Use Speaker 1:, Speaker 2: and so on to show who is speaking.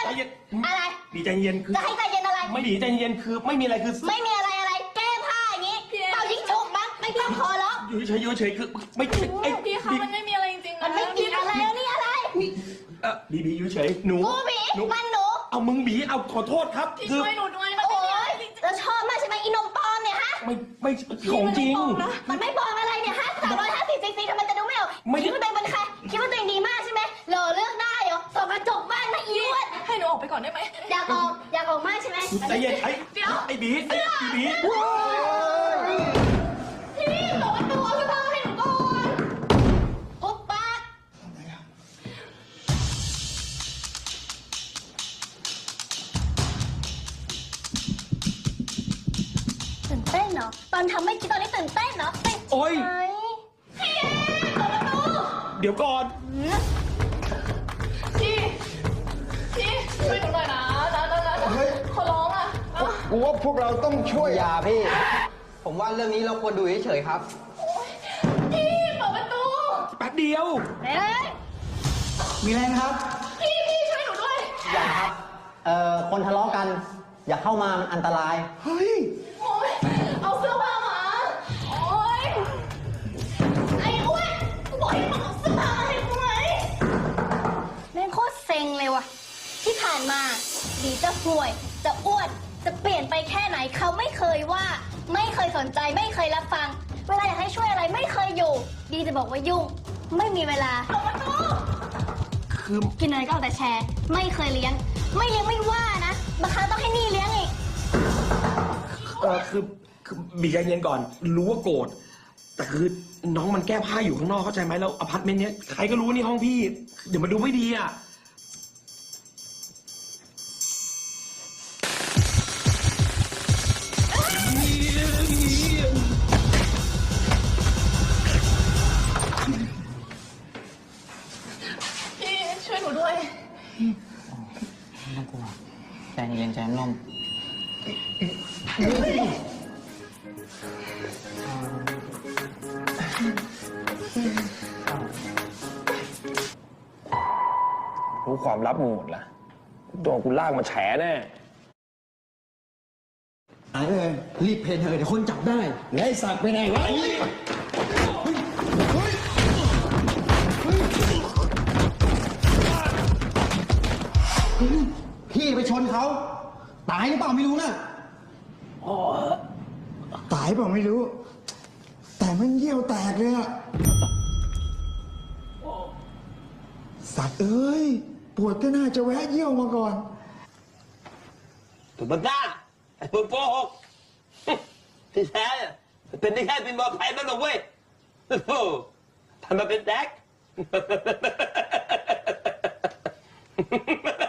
Speaker 1: อะไร
Speaker 2: บีใจเย็นคือ
Speaker 1: จะให้ใจเย็นอะไร
Speaker 2: ไม่บีใจเย็นคือไม่มีอะไรคือ
Speaker 1: ไม่มีอะไรแก้ผ้าอย่างนี้เป่ายิงฉุบมั้งไม่ต้องคอแล้ว
Speaker 2: อยู่เฉยคือไม่
Speaker 3: พี่คะมันไม่มีอะไรจริงๆ
Speaker 1: มันไม่มีอะไรแล้วนี่อะไร
Speaker 2: บีอยู่เฉยหนู
Speaker 1: บีมันหนู
Speaker 2: เอามึงบีเอาขอโทษครับ
Speaker 3: พี่ช่วยหนูด้วยมันไม่มีอะไรจริง
Speaker 1: แล้วชอบมากใช่ไหมอีนมปลอมเนี่ยฮะ
Speaker 2: ไม่ของจริง
Speaker 1: มันไม่ปลอมอะไรเนี่ยฮะ350 ซีซีทำไมจะดูไม่ออกคิดว่าตัวเองเป็นใครคิดว่าตัวเองดีมากใช่ไหมหล่อเลือกได้เหรอส่องกระจกบ้านนะอีวด
Speaker 3: ให้หนูออกไปก่อนได้ไหม
Speaker 1: อยากออกมากใช่ไหม
Speaker 2: ใจเย็นไอ้บีพี่
Speaker 1: บอกว่าตัวพี่พ่อให้หนูก่อนทุบปากตื่นเต้นเหรอตอนทำไม่คิดตอนนี้ตื่นเต้นเหรอ
Speaker 2: โอ๊ย
Speaker 1: พี่เปิดประตู
Speaker 2: เดี๋ยวก่อน
Speaker 3: พี่ช่วยหนูหน่อยนะขอร้องอ่ะ
Speaker 4: กูว่าพวกเราต้องช่วย
Speaker 5: อย่าพี่ ผมว่าเรื่องนี้เราควรดูเฉยๆครับ
Speaker 3: พี่เปิดประตู
Speaker 2: แป๊บเดียว
Speaker 5: มีอะไรนะครับ
Speaker 3: พี่ช่วยหนูด้วย
Speaker 5: อย่าครับคนทะเลาะกันอย่าเข้ามามันอันตราย
Speaker 4: เฮ้ย
Speaker 3: โอ๊ยเอาเสื้อผ้ามาโอ๊ยไอ้อ้วนกูบอกให้มึงเอาเสื้อผ้ามาให้กูไหม
Speaker 1: แม่งโคตรเซ็งเลยว่ะที่ผ่านมาดีจะห่วยจะอ้วนจะเปลี่ยนไปแค่ไหนเขาไม่เคยว่าไม่เคยสนใจไม่เคยรับฟังเวลาอยากให้ช่วยอะไรไม่เคยอยู่ดีจะบอกว่ายุ่งไม่มีเวลา
Speaker 2: คือ
Speaker 1: กินอะไรก็เอาแต่แชร์ไม่เคยเลี้ยงไม่ว่านะบางครั้งต้องให้นี่เลี้ยงอีก
Speaker 2: คือบีใจเย็นก่อนรู้ว่าโกรธแต่คือน้องมันแก้ผ้าอยู่ข้างนอกเข้าใจไหมแล้วอพาร์ตเมนต์เนี้ยใครก็รู้นี่ห้องพี่เดี๋ยวมันดูไม่ดีอ่ะ
Speaker 3: พี่ช่วยหนูด้วย
Speaker 5: ไม่ต้องกลัวใจเย็นใจร่ม
Speaker 2: รู้ความลับมึงหมดละโดนกูลากมาแฉแน่
Speaker 4: หายเลยรีบเพนเถอะเดี๋ยวคนจับได้ไล่สักไปไหนวะพี่ไปชนเขาตายหรือเปล่าไม่รู้นะตายเปล่าไม่รู้แต่มันเยี่ยวแตกเลยอะสัตว์เอ้ยปวดก็น่าจะแวะเยี่ยวมาก่อน
Speaker 6: ถูกบังคับไอ้พวกโกหกที่แท้เป็นได้แค่เป็นบอลไพ่นั่นหรอกเว้ยโอ้โหทำมาเป็นแดก